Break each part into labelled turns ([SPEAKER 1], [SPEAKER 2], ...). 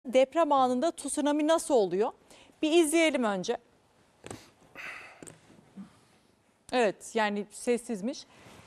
[SPEAKER 1] Deprem anında tsunami nasıl oluyor? Bir izleyelim önce. Evet, yani sessizmiş.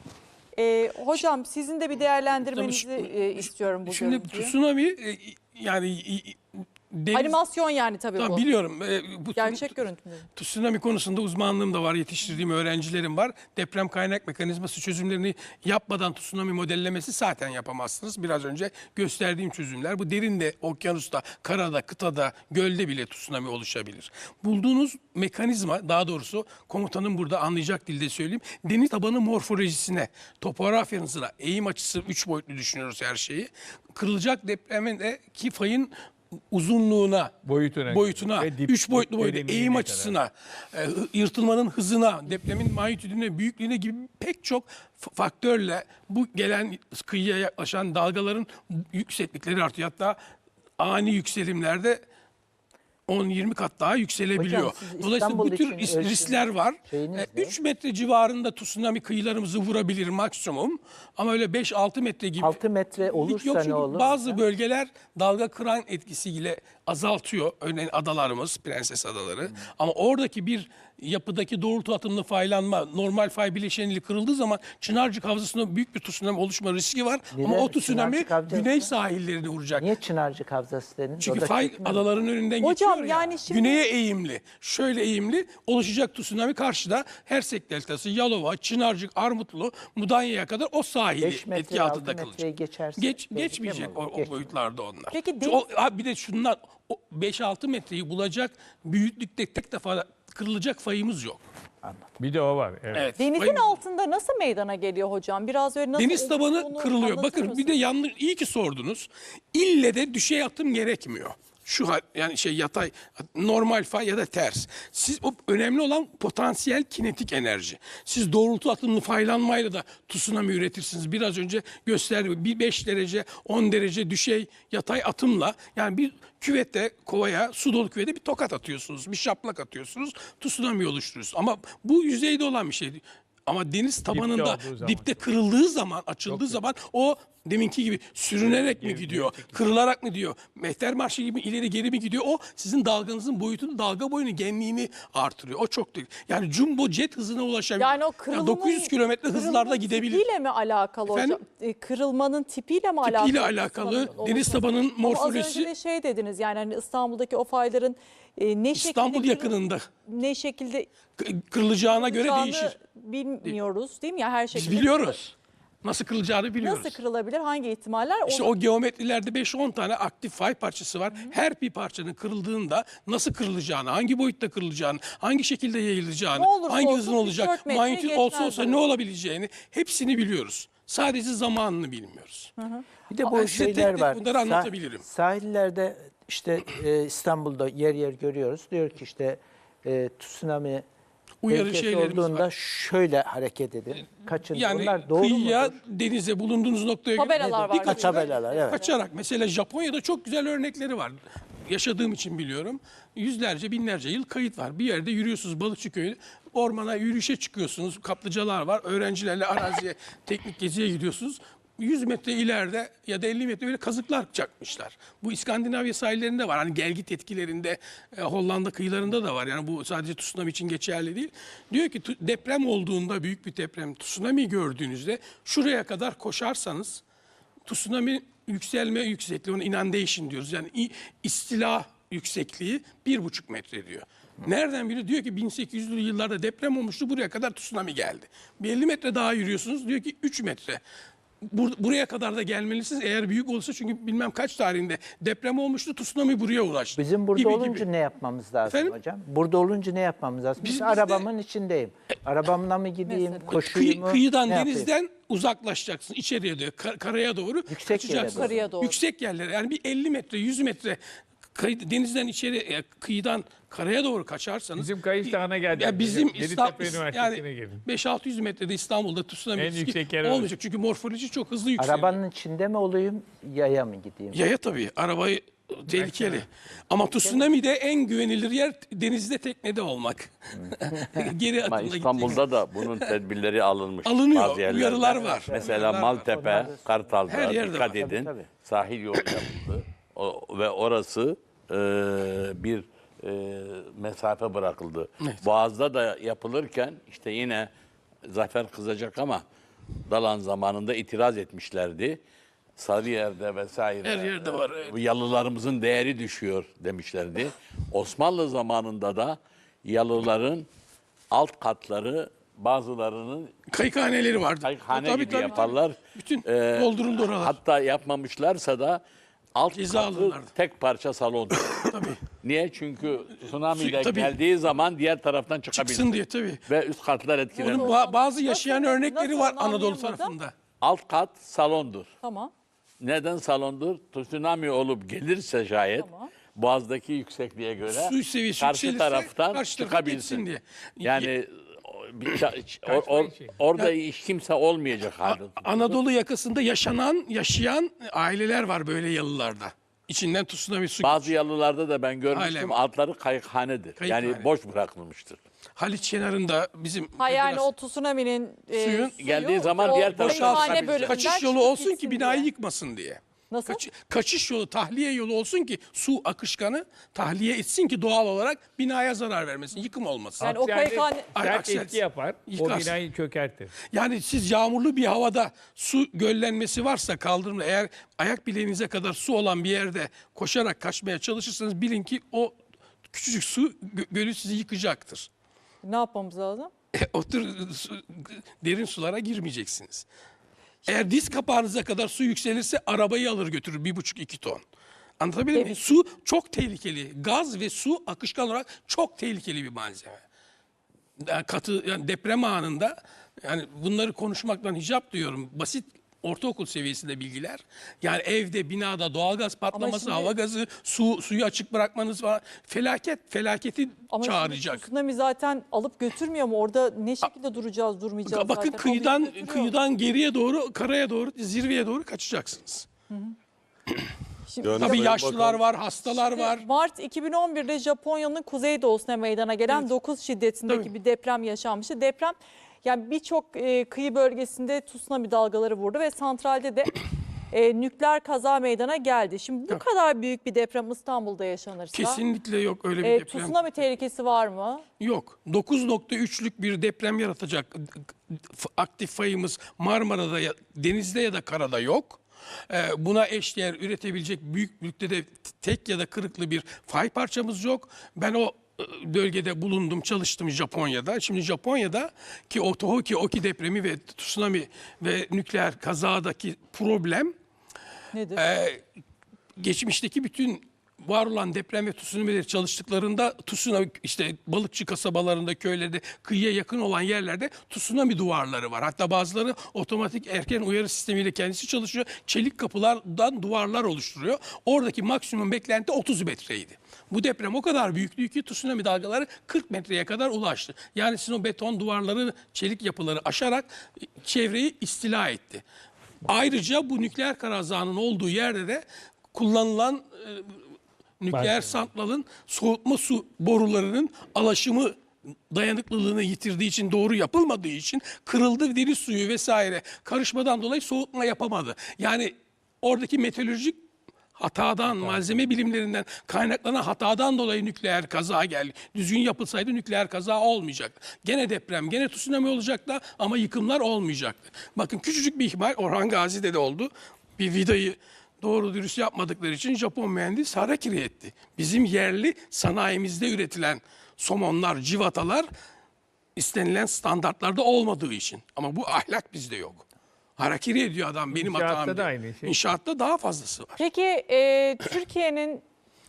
[SPEAKER 1] Hocam sizin de bir değerlendirmenizi istiyorum bu
[SPEAKER 2] Şimdi
[SPEAKER 1] görüntüyü.
[SPEAKER 2] tsunami yani deniz,
[SPEAKER 1] Animasyon yani tabii bu.
[SPEAKER 2] biliyorum. Bu
[SPEAKER 1] Gerçek görüntü mü?
[SPEAKER 2] tsunami konusunda uzmanlığım da var, yetiştirdiğim öğrencilerim var. Deprem kaynak mekanizması çözümlerini yapmadan tsunami modellemesi zaten yapamazsınız. Biraz önce gösterdiğim çözümler. Bu derinde, okyanusta, karada, kıtada, gölde bile tsunami oluşabilir. Bulduğunuz mekanizma, daha doğrusu komutanın burada anlayacak dilde söyleyeyim. Deniz tabanı morfolojisine, topografyanızına, eğim açısı 3 boyutlu düşünüyoruz her şeyi. Kırılacak depremin de ki fayın uzunluğuna, boyutuna, 3 boyutlu boyuta, eğim açısına, yırtılmanın hızına, depremin magnitüdüne, büyüklüğüne gibi pek çok faktörle bu gelen kıyıya yaklaşan dalgaların yükseklikleri artıyor. Hatta ani yükselimlerde 10-20 kat daha yükselebiliyor.
[SPEAKER 3] Hocam, siz
[SPEAKER 2] Dolayısıyla bu
[SPEAKER 3] İstanbul
[SPEAKER 2] tür
[SPEAKER 3] için
[SPEAKER 2] riskler var. 3 metre civarında tsunami kıyılarımızı vurabilir maksimum. Ama öyle 5-6 metre gibi.
[SPEAKER 3] 6 metre olursa
[SPEAKER 2] Yok,
[SPEAKER 3] ne
[SPEAKER 2] çünkü
[SPEAKER 3] olur?
[SPEAKER 2] bazı bölgeler dalga kıran etkisiyle azaltıyor. Örneğin adalarımız, Prenses Adaları. Ama oradaki bir yapıdaki doğrultu atımlı faylanma, normal fay bileşeniyle kırıldığı zaman Çınarcık Havzası'nda büyük bir tsunami oluşma riski var. Ama o tsunami
[SPEAKER 3] Çınarcık Havzası?
[SPEAKER 2] güney sahillerini vuracak.
[SPEAKER 3] Niye Çınarcık Havzası dediniz?
[SPEAKER 2] Çünkü
[SPEAKER 3] Orada
[SPEAKER 2] fay
[SPEAKER 3] çekmiyor mu?
[SPEAKER 2] adaların önünden
[SPEAKER 1] Hocam,
[SPEAKER 2] geçiyor ya.
[SPEAKER 1] yani şimdi-
[SPEAKER 2] Güneye eğimli, şöyle eğimli oluşacak tsunami karşıda Hersek Deltası, Yalova, Çınarcık, Armutlu, Mudanya'ya kadar o sahili
[SPEAKER 3] 5 metre,
[SPEAKER 2] etki
[SPEAKER 3] 6
[SPEAKER 2] altında
[SPEAKER 3] metreyi
[SPEAKER 2] kalacak.
[SPEAKER 3] geçerse
[SPEAKER 2] Geçmeyecek
[SPEAKER 3] tehlikeli mi olur?
[SPEAKER 2] o boyutlarda onlar.
[SPEAKER 1] Peki
[SPEAKER 2] Bir de şunlar, 5-6 metreyi bulacak büyüklükte tek defa kırılacak fayımız yok.
[SPEAKER 4] Bir de o var. Evet.
[SPEAKER 2] Evet,
[SPEAKER 1] Denizin
[SPEAKER 2] fayımız-
[SPEAKER 1] altında nasıl meydana geliyor hocam? Biraz öyle nasıl
[SPEAKER 2] Deniz tabanı
[SPEAKER 1] oluştuğunu
[SPEAKER 2] kırılıyor.
[SPEAKER 1] anlatır
[SPEAKER 2] Bakın
[SPEAKER 1] mısınız?
[SPEAKER 2] bir de yanlış, iyi ki sordunuz. İlle de düşey atım gerekmiyor. Yani yatay, normal fay ya da ters. O önemli olan potansiyel kinetik enerji. Siz doğrultu atımlı faylanmayla da tsunami üretirsiniz. Biraz önce gösterdim. Bir 5 derece, 10 derece düşey yatay atımla, yani bir küvette, kovaya, su dolu küvete bir tokat atıyorsunuz. Bir şaplak atıyorsunuz. Tsunami oluşturuyorsunuz. Ama bu yüzeyde olan bir şey. Ama deniz tabanında
[SPEAKER 4] olduğu zaman
[SPEAKER 2] dipte kırıldığı zaman, açıldığı zaman o deminki gibi sürünerek mi gidiyor, kırılarak mı gidiyor, mehter marşı gibi ileri geri mi gidiyor? O sizin dalganızın boyutunu, dalga boyunu, genliğini artırıyor. O çok değil. Yani jumbo jet hızına ulaşabilir.
[SPEAKER 1] Yani o kırılmanın,
[SPEAKER 2] 900 kilometre hızlarda gidebilir.
[SPEAKER 1] tipiyle mi alakalı hocam?
[SPEAKER 2] Efendim?
[SPEAKER 1] Kırılmanın tipiyle mi alakalı?
[SPEAKER 2] Tipiyle alakalı, deniz tabanının
[SPEAKER 1] Ama az önce
[SPEAKER 2] morfolojisi.
[SPEAKER 1] de şey dediniz, yani hani İstanbul'daki o fayların ne
[SPEAKER 2] İstanbul
[SPEAKER 1] şekilde
[SPEAKER 2] yakınında
[SPEAKER 1] ne şekilde
[SPEAKER 2] kırılacağına göre
[SPEAKER 1] kırılacağını
[SPEAKER 2] değişir.
[SPEAKER 1] bilmiyoruz değil mi? Ya her
[SPEAKER 2] Biz
[SPEAKER 1] şekilde
[SPEAKER 2] biliyoruz. Nasıl kırılacağını biliyoruz.
[SPEAKER 1] nasıl kırılabilir? Hangi ihtimaller?
[SPEAKER 2] İşte o geometrilerde 5-10 tane aktif fay parçası var. Her bir parçanın kırıldığında nasıl kırılacağını, hangi boyutta kırılacağını, hangi şekilde yayılacağını,
[SPEAKER 1] Ne olursa
[SPEAKER 2] hangi
[SPEAKER 1] olsun
[SPEAKER 2] hızın olacak,
[SPEAKER 1] 3-4 metre
[SPEAKER 2] magnitüt olsa
[SPEAKER 1] geçmez
[SPEAKER 2] ne olabileceğini hepsini biliyoruz. Sadece zamanını bilmiyoruz.
[SPEAKER 3] Bir de
[SPEAKER 2] Ben
[SPEAKER 3] bu
[SPEAKER 2] size tek
[SPEAKER 3] şeyler
[SPEAKER 2] tek
[SPEAKER 3] var.
[SPEAKER 2] bunları anlatabilirim.
[SPEAKER 3] Sahillerde işte İstanbul'da yer yer görüyoruz. Diyor ki işte tsunami
[SPEAKER 2] Uyarı
[SPEAKER 3] tehlikesi
[SPEAKER 2] şeylerimiz
[SPEAKER 3] olduğunda
[SPEAKER 2] var.
[SPEAKER 3] şöyle hareket edin. Kaçın.
[SPEAKER 2] Yani
[SPEAKER 3] Onlar doğru
[SPEAKER 2] kıyıya,
[SPEAKER 3] mudur?
[SPEAKER 2] denize, bulunduğunuz noktaya göre
[SPEAKER 1] Tabelalar var.
[SPEAKER 2] dikkat
[SPEAKER 3] Tabelalar, evet.
[SPEAKER 2] kaçarak. Mesela Japonya'da çok güzel örnekleri var. Yaşadığım için biliyorum. Yüzlerce, binlerce yıl kayıt var. Bir yerde yürüyorsunuz Balıkçı Köyü. Ormana yürüyüşe çıkıyorsunuz. Kaplıcalar var. Öğrencilerle araziye, teknik geziye gidiyorsunuz. 100 metre ileride ya da 50 metre böyle kazıklar çakmışlar. Bu İskandinavya sahillerinde var. Hani gelgit etkilerinde Hollanda kıyılarında da var. Yani bu sadece tsunami için geçerli değil. Diyor ki deprem olduğunda, büyük bir deprem, tsunami gördüğünüzde şuraya kadar koşarsanız tsunami yükselme yüksekliği, ona inundation diyoruz. Yani istila yüksekliği 1,5 metre diyor. Nereden biliyor? Diyor ki 1800'lü yıllarda deprem olmuştu, buraya kadar tsunami geldi. Bir 50 metre daha yürüyorsunuz, diyor ki 3 metre. Buraya kadar da gelmelisiniz eğer büyük olursa, çünkü bilmem kaç tarihinde deprem olmuştu, tsunami buraya ulaştı.
[SPEAKER 3] Bizim burada
[SPEAKER 2] Gibi
[SPEAKER 3] olunca
[SPEAKER 2] gibi.
[SPEAKER 3] ne yapmamız lazım
[SPEAKER 2] Efendim?
[SPEAKER 3] hocam? Burada olunca ne yapmamız lazım?
[SPEAKER 2] Biz de-
[SPEAKER 3] arabamın içindeyim. Arabamla mı gideyim,
[SPEAKER 1] Mesela.
[SPEAKER 3] koşuyum mu?
[SPEAKER 2] Kıyıdan,
[SPEAKER 3] ne yapayım?
[SPEAKER 2] denizden uzaklaşacaksın içeriye doğru, karaya doğru
[SPEAKER 3] Yüksek
[SPEAKER 2] kaçacaksın.
[SPEAKER 3] yere doğru.
[SPEAKER 1] Karaya doğru.
[SPEAKER 2] Yüksek yerlere, yani bir 50 metre, 100 metre denizden içeri, kıyıdan karaya doğru kaçarsanız.
[SPEAKER 4] Bizim Kayış Dağı'na geldik.
[SPEAKER 2] Ya bizim
[SPEAKER 4] Yeditepe Üniversitesi'ne
[SPEAKER 2] yani
[SPEAKER 4] gelin.
[SPEAKER 2] 5-600 metrede İstanbul'da tsunami
[SPEAKER 4] En
[SPEAKER 2] riski
[SPEAKER 4] yüksek yer
[SPEAKER 2] olmayacak. Çünkü morfoloji çok hızlı yükseliyor.
[SPEAKER 3] Arabanın içinde mi olayım, yaya mı gideyim?
[SPEAKER 2] Yaya tabii. Arabayı tehlikeli. Ama tsunami'de en güvenilir yer denizde, teknede olmak. Geri
[SPEAKER 5] Ama
[SPEAKER 2] atımla
[SPEAKER 5] İstanbul'da da bunun tedbirleri alınmış.
[SPEAKER 2] Alınıyor,
[SPEAKER 5] bazı yerlerde.
[SPEAKER 2] uyarılar var.
[SPEAKER 5] Mesela
[SPEAKER 2] Uyarılar var.
[SPEAKER 5] Maltepe, Kartal'da
[SPEAKER 2] Her yerde
[SPEAKER 5] dikkat
[SPEAKER 2] var.
[SPEAKER 5] edin.
[SPEAKER 3] Tabii.
[SPEAKER 5] Sahil yolu yapıldı. ve orası bir mesafe bırakıldı.
[SPEAKER 2] Evet.
[SPEAKER 5] Boğaz'da da yapılırken işte yine Zafer kızacak ama Dalan zamanında itiraz etmişlerdi. Sarıyer'de vesaire
[SPEAKER 2] Her yerde var, evet.
[SPEAKER 5] bu yalılarımızın değeri düşüyor demişlerdi. Osmanlı zamanında da yalıların alt katları bazılarının
[SPEAKER 2] Kayıkhaneleri vardı.
[SPEAKER 5] hane
[SPEAKER 2] Tabii,
[SPEAKER 5] gibi
[SPEAKER 2] tabii,
[SPEAKER 5] yaparlar.
[SPEAKER 2] Bütün dolduruldu oralar.
[SPEAKER 5] Hatta yapmamışlarsa da alt
[SPEAKER 2] Ceza
[SPEAKER 5] katı
[SPEAKER 2] alırlardı.
[SPEAKER 5] tek parça salon.
[SPEAKER 2] Tabii.
[SPEAKER 5] Niye? Çünkü tsunami de
[SPEAKER 2] Tabii.
[SPEAKER 5] geldiği zaman diğer taraftan çıkabilir.
[SPEAKER 2] Çıksın diye tabii.
[SPEAKER 5] Ve üst katlar etkilenir.
[SPEAKER 2] Onun bazı yaşayan
[SPEAKER 1] Nasıl-
[SPEAKER 2] örnekleri
[SPEAKER 1] nasıl
[SPEAKER 2] var
[SPEAKER 1] onu
[SPEAKER 2] Anadolu
[SPEAKER 1] anlayamadım.
[SPEAKER 2] tarafında.
[SPEAKER 5] Alt kat salondur.
[SPEAKER 1] Tamam.
[SPEAKER 5] Neden salondur? Tsunami olup gelirse şayet
[SPEAKER 1] Tamam.
[SPEAKER 5] Boğaz'daki yüksekliğe göre
[SPEAKER 2] Su seviyesi
[SPEAKER 5] karşı
[SPEAKER 2] yükselirse
[SPEAKER 5] taraftan
[SPEAKER 2] karşı tarafa
[SPEAKER 5] çıkabilsin.
[SPEAKER 2] geçsin diye.
[SPEAKER 5] Yani
[SPEAKER 4] için.
[SPEAKER 5] orada hiç kimse olmayacak halde.
[SPEAKER 2] Anadolu yakasında yaşayan aileler var böyle yalılarda. İçinden tsunami su.
[SPEAKER 5] Bazı yalılarda da ben görmüştüm
[SPEAKER 2] Aynen.
[SPEAKER 5] altları kayıkhanedir.
[SPEAKER 2] Kayıkhane.
[SPEAKER 5] Yani boş bırakılmıştır.
[SPEAKER 2] Haliç kenarında bizim
[SPEAKER 1] Ha yani
[SPEAKER 2] biraz
[SPEAKER 1] o tsunami'nin
[SPEAKER 2] Suyun
[SPEAKER 5] geldiği zaman diğer tarafa
[SPEAKER 1] kayıkhane
[SPEAKER 5] çıkabilsin.
[SPEAKER 1] bölümünden
[SPEAKER 2] kaçış yolu
[SPEAKER 1] çıkıp
[SPEAKER 2] olsun ki
[SPEAKER 1] gitsin
[SPEAKER 2] binayı
[SPEAKER 1] diye.
[SPEAKER 2] yıkmasın diye.
[SPEAKER 1] Nasıl?
[SPEAKER 2] Kaçış yolu, tahliye yolu olsun ki su akışkanı tahliye etsin ki doğal olarak binaya zarar vermesin, yıkım olmasın.
[SPEAKER 1] Yani o kayıkhane...
[SPEAKER 2] Ay,
[SPEAKER 4] sert
[SPEAKER 2] aksel-
[SPEAKER 4] etki yapar.
[SPEAKER 2] yıkarsın.
[SPEAKER 4] O binayı çökertir.
[SPEAKER 2] Yani siz yağmurlu bir havada su göllenmesi varsa kaldırımda eğer ayak bileğinize kadar su olan bir yerde koşarak kaçmaya çalışırsanız bilin ki o küçücük su gölü sizi yıkacaktır.
[SPEAKER 1] Ne yapmamız lazım?
[SPEAKER 2] O tür derin sulara girmeyeceksiniz. Eğer diz kapağınıza kadar su yükselirse arabayı alır götürür 1,5-2 ton. Anlatabildim mi? Su çok tehlikeli. Gaz ve su akışkan olarak çok tehlikeli bir malzeme. Yani yani deprem anında yani bunları konuşmaktan hicap duyuyorum. Basit ortaokul seviyesinde bilgiler. Yani evde, binada doğalgaz patlaması,
[SPEAKER 1] şimdi-
[SPEAKER 2] hava gazı, suyu açık bırakmanız var. Felaketi
[SPEAKER 1] Ama
[SPEAKER 2] çağıracak.
[SPEAKER 1] şimdi tsunami zaten alıp götürmüyor mu? Orada ne şekilde duracağız, durmayacağız
[SPEAKER 2] Bakın
[SPEAKER 1] zaten. Alıp götürüyor.
[SPEAKER 2] kıyıdan geriye doğru, karaya doğru, zirveye doğru kaçacaksınız.
[SPEAKER 1] Şimdi-
[SPEAKER 2] Tabii yaşlılar var, hastalar var.
[SPEAKER 1] Mart 2011'de Japonya'nın kuzeydoğusuna meydana gelen 9 şiddetindeki
[SPEAKER 2] Tabii.
[SPEAKER 1] bir deprem yaşanmıştı. Deprem yani birçok kıyı bölgesinde tsunami dalgaları vurdu ve santralde de nükleer kaza meydana geldi. Şimdi bu kadar büyük bir deprem İstanbul'da yaşanırsa
[SPEAKER 2] Kesinlikle yok öyle bir deprem.
[SPEAKER 1] tsunami tehlikesi var mı?
[SPEAKER 2] Yok. 9,3'lük bir deprem yaratacak aktif fayımız Marmara'da, denizde ya da karada yok. Buna eşdeğer üretebilecek büyüklükte de tek ya da kırıklı bir fay parçamız yok. Ben o bölgede bulundum, çalıştım Japonya'da. Şimdi Japonya'da ki o Tohoku Oki depremi ve tsunami ve nükleer kazadaki problem
[SPEAKER 1] Nedir?
[SPEAKER 2] geçmişteki bütün var olan deprem ve tsunami'leri çalıştıklarında tsunami işte balıkçı kasabalarında, köylerde, kıyıya yakın olan yerlerde tsunami duvarları var. Hatta bazıları otomatik erken uyarı sistemiyle kendisi çalışıyor. Çelik kapılardan duvarlar oluşturuyor. Oradaki maksimum beklenti 30 metreydi. Bu deprem o kadar büyüktü ki tsunami dalgaları 40 metreye kadar ulaştı. Yani sizin o beton duvarları, çelik yapıları aşarak çevreyi istila etti. Ayrıca bu nükleer kazanın olduğu yerde de kullanılan nükleer santralın soğutma su borularının alaşımı dayanıklılığını yitirdiği için, doğru yapılmadığı için kırıldı, deniz suyu vesaire karışmadan dolayı soğutma yapamadı. Yani oradaki meteorolojik hatadan, malzeme bilimlerinden kaynaklanan hatadan dolayı nükleer kaza geldi. Düzgün yapılsaydı nükleer kaza olmayacaktı. Gene deprem, gene tsunami olacaktı ama yıkımlar olmayacaktı. Bakın küçücük bir ihmal Orhan Gazi'de de oldu. Bir vidayı doğru dürüst yapmadıkları için Japon mühendis harakiri etti. Bizim yerli sanayimizde üretilen somonlar, civatalar istenilen standartlarda olmadığı için. Ama bu ahlak bizde yok. Harakiri ediyor adam benim
[SPEAKER 4] İnşaatta
[SPEAKER 2] hatam
[SPEAKER 4] da
[SPEAKER 2] diye.
[SPEAKER 4] aynı şey.
[SPEAKER 2] İnşaatta daha fazlası var.
[SPEAKER 1] Peki Türkiye'nin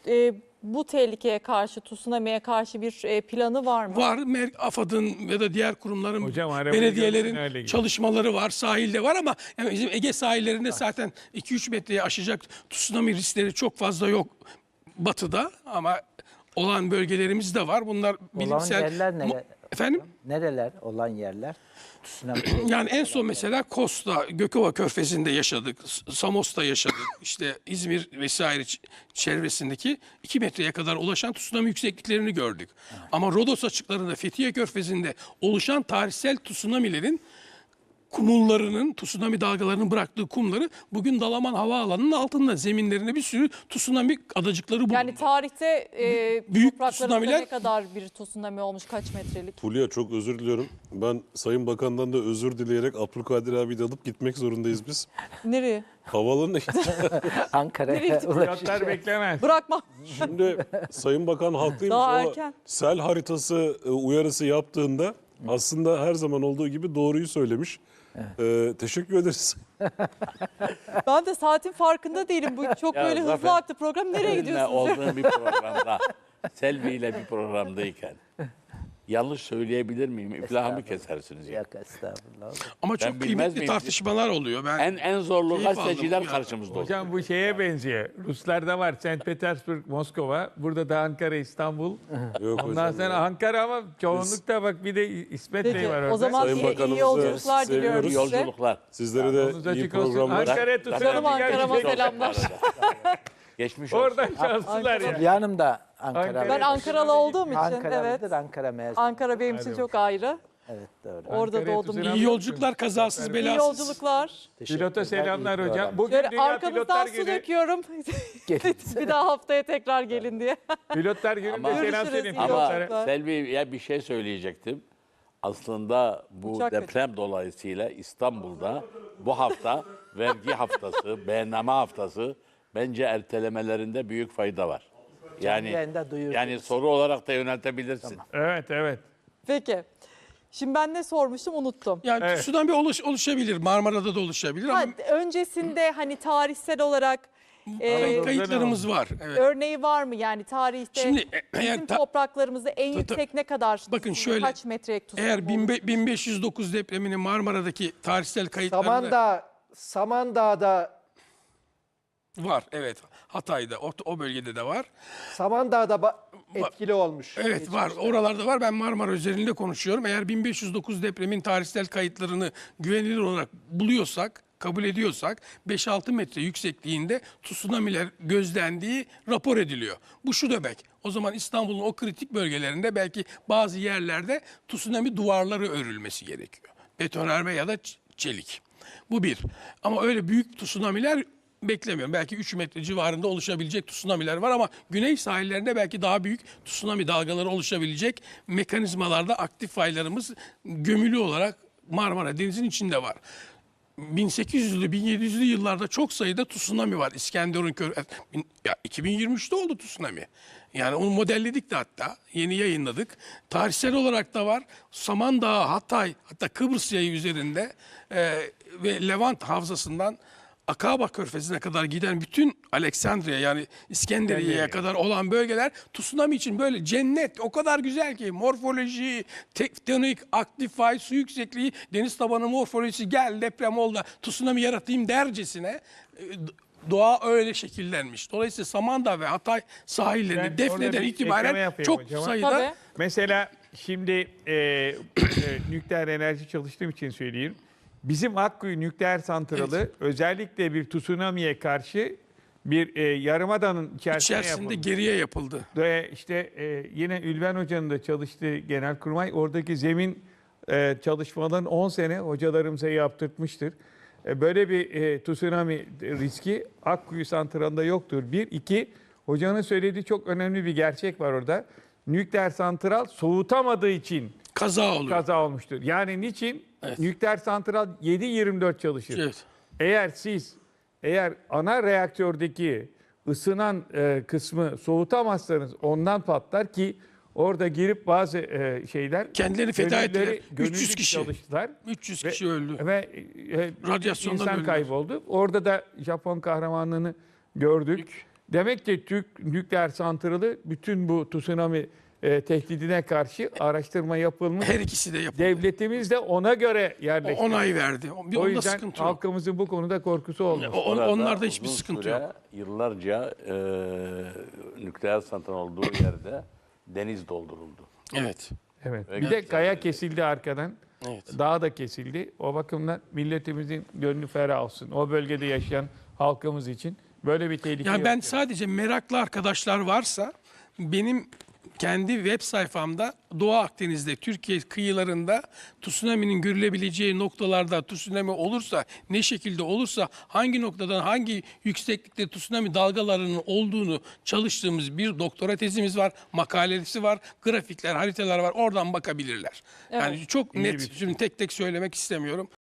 [SPEAKER 1] bu tehlikeye karşı, tsunami'ye karşı bir planı var mı?
[SPEAKER 2] Var. AFAD'ın ya da diğer kurumların,
[SPEAKER 4] Hocam, arabayı gördün, öyle
[SPEAKER 2] belediyelerin
[SPEAKER 4] gibi.
[SPEAKER 2] çalışmaları var. Sahilde var ama yani bizim Ege sahillerinde zaten 2-3 metreye aşacak tsunami riskleri çok fazla yok batıda ama olan bölgelerimiz de var. Bunlar
[SPEAKER 3] Olan
[SPEAKER 2] bilimsel...
[SPEAKER 3] yerler neler?
[SPEAKER 2] Efendim?
[SPEAKER 3] Nereler olan yerler? Tsunami.
[SPEAKER 2] Yani en son mesela Kosta, Gökova Körfezi'nde yaşadık, Samos'ta yaşadık. İşte İzmir vesaire çevresindeki 2 metreye kadar ulaşan tsunami yüksekliklerini gördük. Ama Rodos açıklarında Fethiye Körfezi'nde oluşan tarihsel tsunamilerin kumullarının, tsunami dalgalarının bıraktığı kumları bugün Dalaman Havaalanı'nın altında zeminlerine bir sürü tsunami adacıkları bulundu.
[SPEAKER 1] Yani tarihte
[SPEAKER 2] Büyük
[SPEAKER 1] topraklarımızda
[SPEAKER 2] tsunamiler-
[SPEAKER 1] ne kadar bir tsunami olmuş, kaç metrelik?
[SPEAKER 6] Fulya çok özür diliyorum. Ben Sayın Bakan'dan da özür dileyerek Abdülkadir abi de alıp gitmek zorundayız biz.
[SPEAKER 1] Nereye?
[SPEAKER 6] Havalarına
[SPEAKER 3] Ankara'ya
[SPEAKER 1] Nereye
[SPEAKER 4] Pilotlar beklemez.
[SPEAKER 1] Bırakma.
[SPEAKER 6] Şimdi Sayın Bakan haklıymış.
[SPEAKER 1] Daha
[SPEAKER 6] O
[SPEAKER 1] erken.
[SPEAKER 6] sel haritası uyarısı yaptığında aslında her zaman olduğu gibi doğruyu söylemiş. Teşekkür ederiz.
[SPEAKER 1] Ben de saatin farkında değilim. Bu çok
[SPEAKER 5] Ya
[SPEAKER 1] böyle hızlı
[SPEAKER 5] Zafer,
[SPEAKER 1] aktı program. Nereye
[SPEAKER 5] Seninle
[SPEAKER 1] gidiyorsunuz?
[SPEAKER 5] olduğum bir programda, Selvi ile bir programdayken yanlış söyleyebilir miyim? İflahımı kesersiniz ya.
[SPEAKER 3] Yok estağfurullah.
[SPEAKER 2] Ama
[SPEAKER 5] Ben
[SPEAKER 2] çok
[SPEAKER 5] bilmez
[SPEAKER 2] kıymetli
[SPEAKER 5] miyim?
[SPEAKER 2] tartışmalar oluyor. Ben
[SPEAKER 5] En zorlu
[SPEAKER 2] Keyif aldım
[SPEAKER 5] gazeteciler
[SPEAKER 2] ya.
[SPEAKER 5] karşımızda oldu.
[SPEAKER 4] Hocam bu şeye benziyor. Ruslarda var. St. Petersburg, Moskova. Burada da Ankara, İstanbul.
[SPEAKER 6] Yok
[SPEAKER 4] Ondan
[SPEAKER 6] hocam
[SPEAKER 4] sonra
[SPEAKER 6] ya.
[SPEAKER 4] Ankara ama çoğunlukta bak bir de İsmet
[SPEAKER 1] Peki
[SPEAKER 4] Bey var orada.
[SPEAKER 1] o zaman
[SPEAKER 6] Sayın
[SPEAKER 1] iyi
[SPEAKER 6] Bakanımızı
[SPEAKER 1] yolculuklar diliyorum
[SPEAKER 6] seviyoruz.
[SPEAKER 1] size.
[SPEAKER 5] Yolculuklar.
[SPEAKER 6] Sizlere
[SPEAKER 4] Yolunuz
[SPEAKER 6] de iyi
[SPEAKER 4] açık olsun.
[SPEAKER 6] programlar.
[SPEAKER 4] Ankara'ya
[SPEAKER 5] Zaten-
[SPEAKER 4] tutalım.
[SPEAKER 1] Canım Ankara'ma
[SPEAKER 5] Geçmiş olsun
[SPEAKER 1] selamlar.
[SPEAKER 5] bu arada. Geçmiş olsun.
[SPEAKER 4] Oradan şanslılar ya.
[SPEAKER 3] Fulya Hanım da Ankaralı.
[SPEAKER 4] Ankara-
[SPEAKER 1] Ben Ankaralı olduğum için
[SPEAKER 3] Ankaralıdır,
[SPEAKER 1] evet.
[SPEAKER 3] Ankara mezunu.
[SPEAKER 1] Ankara benim için çok ayrı.
[SPEAKER 3] Evet doğru.
[SPEAKER 1] Orada
[SPEAKER 4] Ankara'ya
[SPEAKER 1] doğdum.
[SPEAKER 4] tüzülen-
[SPEAKER 2] iyi yolculuklar, kazasız
[SPEAKER 1] İyi
[SPEAKER 2] belasız.
[SPEAKER 1] yolculuklar.
[SPEAKER 4] Pilota selamlar
[SPEAKER 3] iyi
[SPEAKER 4] hocam.
[SPEAKER 3] program.
[SPEAKER 4] Bugün
[SPEAKER 1] Şöyle
[SPEAKER 4] Dünya
[SPEAKER 1] arkamızdan
[SPEAKER 4] Pilotlar
[SPEAKER 1] su
[SPEAKER 4] Günü.
[SPEAKER 1] döküyorum.
[SPEAKER 3] Gelin.
[SPEAKER 1] Bir daha haftaya tekrar gelin diye.
[SPEAKER 4] Pilotlar Günü'nde
[SPEAKER 5] Ama-
[SPEAKER 4] selam
[SPEAKER 1] Görüşürüz,
[SPEAKER 4] senin
[SPEAKER 1] iyi
[SPEAKER 5] Ama
[SPEAKER 4] pilotlara.
[SPEAKER 1] yolculuklar.
[SPEAKER 5] Selvi'ye bir şey söyleyecektim. Aslında bu
[SPEAKER 1] Uçak
[SPEAKER 5] deprem dolayısıyla İstanbul'da bu hafta vergi haftası, beyanname haftası bence ertelemelerinde büyük fayda var.
[SPEAKER 3] yayında duyururuz.
[SPEAKER 5] Yani soru olarak da yöneltebilirsin.
[SPEAKER 4] Evet evet.
[SPEAKER 1] Peki. Şimdi ben ne sormuştum unuttum.
[SPEAKER 2] Yani
[SPEAKER 4] Evet.
[SPEAKER 2] tsunami oluşabilir. Marmara'da da oluşabilir
[SPEAKER 1] Ha,
[SPEAKER 2] ama
[SPEAKER 1] öncesinde hani tarihsel olarak
[SPEAKER 2] kayıtlarımız var. Evet.
[SPEAKER 1] örneği var mı? Yani tarihte
[SPEAKER 2] Şimdi eğer
[SPEAKER 1] bizim topraklarımızda en yüksek ne kadar?
[SPEAKER 2] Bakın şöyle,
[SPEAKER 1] kaç metrelik tsunami
[SPEAKER 2] eğer
[SPEAKER 1] olmuş?
[SPEAKER 2] 1509 depreminin Marmara'daki tarihsel kayıtlarında
[SPEAKER 7] Samandağ'da
[SPEAKER 2] var. Evet. Hatay'da o bölgede de var.
[SPEAKER 7] etkili olmuş.
[SPEAKER 2] Evet var. Oralarda var. Ben Marmara üzerinde konuşuyorum. Eğer 1509 depremin tarihsel kayıtlarını güvenilir olarak buluyorsak, kabul ediyorsak 5-6 metre yüksekliğinde tsunami'ler gözlendiği rapor ediliyor. Bu şu demek. O zaman İstanbul'un o kritik bölgelerinde belki bazı yerlerde tsunami duvarları örülmesi gerekiyor. Betonarme ya da çelik. Bu bir. Ama öyle büyük tsunami'ler beklemiyorum. Belki 3 metre civarında oluşabilecek tsunami'ler var ama güney sahillerinde belki daha büyük tsunami dalgaları oluşabilecek mekanizmalarda aktif faylarımız gömülü olarak Marmara Denizi'nin içinde var. 1800'lü 1700'lü yıllarda çok sayıda tsunami var. İskenderun ya 2023'te oldu tsunami. Yani onu modelledik de hatta yeni yayınladık. Tarihsel olarak da var. Samandağ, Hatay, hatta Kıbrıs yayı üzerinde ve Levant havzasından Akaba Körfezi'ne kadar giden bütün Aleksandriye yani İskenderiye'ye kadar olan bölgeler tsunami için böyle cennet. O kadar güzel ki morfoloji, tektonik, aktif fay, su yüksekliği, deniz tabanı morfolojisi gel deprem oldu tsunami yaratayım dercesine doğa öyle şekillenmiş. Dolayısıyla Samandağ ve Hatay sahillerinde
[SPEAKER 4] Ben
[SPEAKER 2] Defne'den
[SPEAKER 4] orada bir ekleme
[SPEAKER 2] itibaren
[SPEAKER 4] yapayım
[SPEAKER 2] çok
[SPEAKER 4] hocam.
[SPEAKER 2] sayıda
[SPEAKER 1] Tabii.
[SPEAKER 4] Mesela şimdi nükleer enerji çalıştığım için söyleyeyim. Bizim Akkuyu nükleer santralı özellikle bir tsunami'ye karşı bir yarımadanın içerisinde
[SPEAKER 2] içerisinde
[SPEAKER 4] yapılmış.
[SPEAKER 2] geriye yapıldı.
[SPEAKER 4] Ve işte yine Ülven Hoca'nın da çalıştığı Genelkurmay oradaki zemin çalışmalarını 10 sene hocalarımıza yaptırtmıştır. Böyle bir tsunami riski Akkuyu santralında yoktur. Bir, iki, hocanın söylediği çok önemli bir gerçek var orada. Nükleer santral soğutamadığı için
[SPEAKER 2] Kaza oluyor.
[SPEAKER 4] kaza olmuştur. Yani niçin? Nükleer santral 7/24 çalışır.
[SPEAKER 2] Evet.
[SPEAKER 4] Eğer ana reaktördeki ısınan kısmı soğutamazsanız ondan patlar ki orada girip bazı şeyler
[SPEAKER 2] Kendilerini feda ettiler.
[SPEAKER 4] gönüllü
[SPEAKER 2] 300 kişi.
[SPEAKER 4] çalıştılar.
[SPEAKER 2] 300
[SPEAKER 4] Ve-
[SPEAKER 2] kişi öldü.
[SPEAKER 4] Ve
[SPEAKER 2] Radyasyondan
[SPEAKER 4] insan
[SPEAKER 2] öldüler.
[SPEAKER 4] kayboldu. Orada da Japon kahramanlığını gördük. Demek ki Türk nükleer santralı bütün bu tsunami tehdidine karşı araştırma yapılmış.
[SPEAKER 2] Her ikisi de yapıldı.
[SPEAKER 4] Devletimiz de ona göre yerleşti.
[SPEAKER 2] Onay verdi.
[SPEAKER 4] O
[SPEAKER 2] Onda
[SPEAKER 4] yüzden
[SPEAKER 2] sıkıntı yok.
[SPEAKER 4] halkımızın bu konuda korkusu olmaz.
[SPEAKER 5] Orada
[SPEAKER 2] Onlarda hiçbir
[SPEAKER 5] uzun
[SPEAKER 2] sıkıntı
[SPEAKER 5] süre,
[SPEAKER 2] yok.
[SPEAKER 5] Yıllarca nükleer santral olduğu yerde deniz dolduruldu.
[SPEAKER 2] Evet.
[SPEAKER 4] Evet.
[SPEAKER 5] Ve
[SPEAKER 4] Bir de kaya kesildi arkadan.
[SPEAKER 2] Evet.
[SPEAKER 4] Dağ da kesildi. O bakımdan milletimizin gönlü ferah olsun. O bölgede yaşayan halkımız için böyle bir tehlike
[SPEAKER 2] Yani ben
[SPEAKER 4] yok.
[SPEAKER 2] sadece meraklı arkadaşlar varsa benim kendi web sayfamda Doğu Akdeniz'de, Türkiye kıyılarında tsunami'nin görülebileceği noktalarda tsunami olursa, ne şekilde olursa, hangi noktadan hangi yükseklikte tsunami dalgalarının olduğunu çalıştığımız bir doktora tezimiz var, makalesi var, grafikler, haritalar var. Oradan bakabilirler. Yani çok
[SPEAKER 4] İyi bir
[SPEAKER 2] net,
[SPEAKER 4] fikir.
[SPEAKER 2] şimdi tek tek söylemek istemiyorum.